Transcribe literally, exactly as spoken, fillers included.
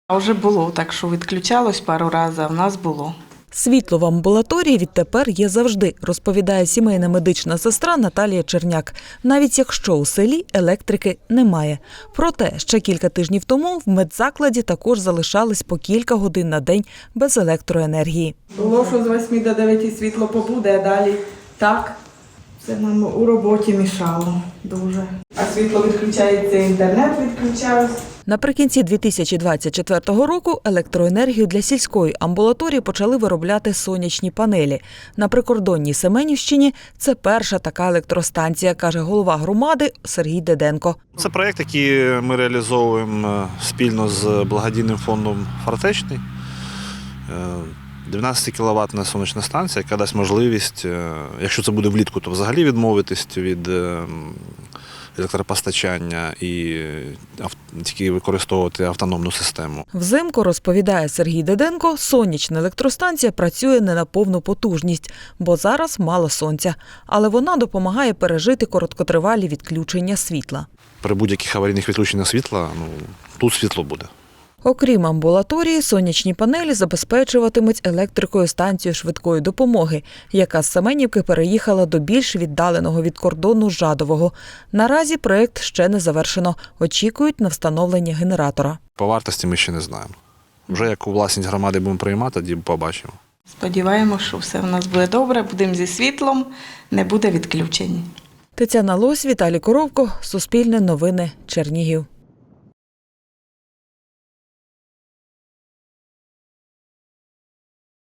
А вже було, так що відключалось пару разів, а в нас було. Світло в амбулаторії відтепер є завжди, розповідає сімейна медична сестра Наталія Черняк. Навіть якщо у селі електрики немає. Проте ще кілька тижнів тому в медзакладі також залишались по кілька годин на день без електроенергії. Було, що з восьми до дев'яти світло побуде, а далі так. Це нам у роботі мішало дуже. А світло відключається, інтернет відключався. Наприкінці дві тисячі двадцять четвертого року електроенергію для сільської амбулаторії почали виробляти сонячні панелі. На прикордонній Семенівщині це перша така електростанція, каже голова громади Сергій Деденко. Це проєкт, який ми реалізовуємо спільно з благодійним фондом «Фортечний». дванадцятикіловатна сонячна станція, яка дасть можливість, якщо це буде влітку, то взагалі відмовитись від електропостачання і тільки використовувати автономну систему. Взимку, розповідає Сергій Деденко, сонячна електростанція працює не на повну потужність, бо зараз мало сонця. Але вона допомагає пережити короткотривалі відключення світла. При будь-яких аварійних відключеннях світла, ну, тут світло буде. Окрім амбулаторії, сонячні панелі забезпечуватимуть електрикою станцію швидкої допомоги, яка з Семенівки переїхала до більш віддаленого від кордону Жадового. Наразі проєкт ще не завершено. Очікують на встановлення генератора. По вартості ми ще не знаємо. Вже як у власність громади будемо приймати, тоді побачимо. Сподіваємося, що все в нас буде добре, будемо зі світлом, не буде відключень. Тетяна Лось, Віталій Коровко, Суспільне новини, Чернігів.